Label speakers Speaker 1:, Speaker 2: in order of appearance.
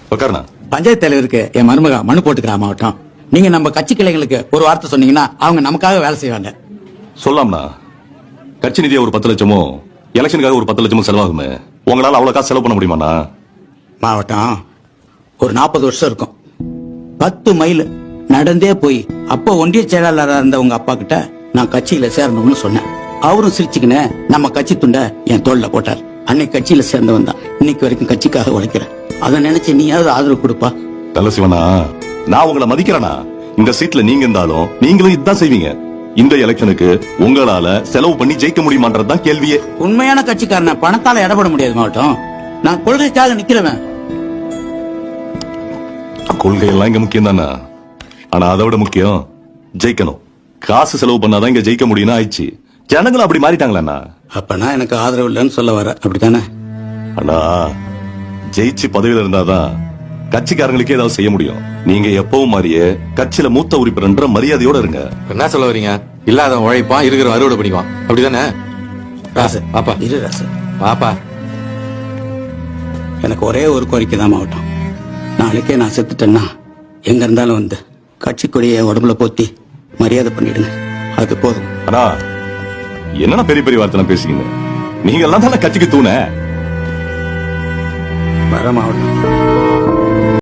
Speaker 1: உட்காருண்ணா.
Speaker 2: பஞ்சாயத்து தலைவருக்கு என் மருமக மனு போட்டுக்கிறா மாவட்டம். நீங்க நம்ம கட்சி கிளைகளுக்கு ஒரு வார்த்தை சொன்னீங்கன்னா அவங்க நமக்காக வேலை செய்வாங்க.
Speaker 1: சொல்லாம்ண்ணா. கட்சி நிதியை ஒரு 10 லட்சமோ எலெக்ஷனுக்காக ஒரு 10 லட்சமோ செலவாகுமே. உங்களால அவ்வளவு காசு செலவு பண்ண முடியுமாண்ணா?
Speaker 2: மாவட்டம் ஒரு 40 வருஷம் இருக்கும். 10 மைல் நடந்தே போய் அப்போ ஒன்றிய செயலாளராக இருந்த உங்க அப்பா கிட்ட நான் கட்சியில சேரணும்னு சொன்னேன். அவரும் சிரிச்சுக்கின்னு நம்ம கட்சி துண்டை என் தோல்ல போட்டார். அன்னைக்கு கட்சியில சேர்ந்தவன் தான் இன்னைக்கு வரைக்கும் கட்சிக்காக உழைக்கிறேன். அதை நினைச்சு நீயாவது ஆதரவு கொடுப்பா.
Speaker 1: நல்ல சிவனா, நான் உங்களை மதிக்கிறேனா? இந்த சீட்ல நீங்க இருந்தாலும் நீங்களும் இதுதான் செய்வீங்க. இந்த எலெக்ஷனுக்கு உங்களால செலவு பண்ணி ஜெயிக்க முடியுமான்றதுதான் கேள்வியே.
Speaker 2: உண்மையான கட்சிக்காரன பணத்தால இடப்பட முடியாது மாவட்டம். நான் கொள்கைக்காக நிக்கிறவன்.
Speaker 1: கொள்கை எல்லாம் இங்க முக்கியம் தானே. ஆனா அதை விட முக்கியம் ஜெயிக்கணும். காசு செலவு பண்ணாதான் இங்க ஜெயிக்க முடியும்னு ஆயிடுச்சு. ஜனங்களும் அப்படி மாறிட்டாங்களா?
Speaker 2: அப்பனா எனக்கு ஆதரவு இல்லைன்னு சொல்ல வர, அப்படித்தானே?
Speaker 1: அண்ணா, ஜெயிச்சு பதவியில இருந்தாதான் கட்சிக்காரங்களுக்கே ஏதாவது செய்ய முடியும். நீங்க எப்பவும் மாதிரியே கட்சியில மூத்த உறுப்பினர் மரியாதையோட இருங்க.
Speaker 3: என்ன சொல்ல வரீங்க? இல்லாத உழைப்பான், இருக்கிற அறுவடை பண்ணிக்குவான், அப்படிதானே?
Speaker 2: ராசு
Speaker 3: பாப்பா
Speaker 2: இரு ராசு.
Speaker 3: பாப்பா,
Speaker 2: எனக்கு ஒரே ஒரு கோரிக்கை தான் மாவட்டம். நாளைக்கே நான் செத்துட்டேன்னா எங்க இருந்தாலும் வந்து கட்சி கொடியை உடம்புல போத்தி மரியாதை பண்ணிடுங்க. அது போதும்.
Speaker 1: அண்ணா, என்னன்னா பெரிய பெரிய வார்த்தை பேசுறீங்க? நீங்க எல்லாம் தானே கட்சிக்கு தூண.
Speaker 2: வர மாவட்டம்.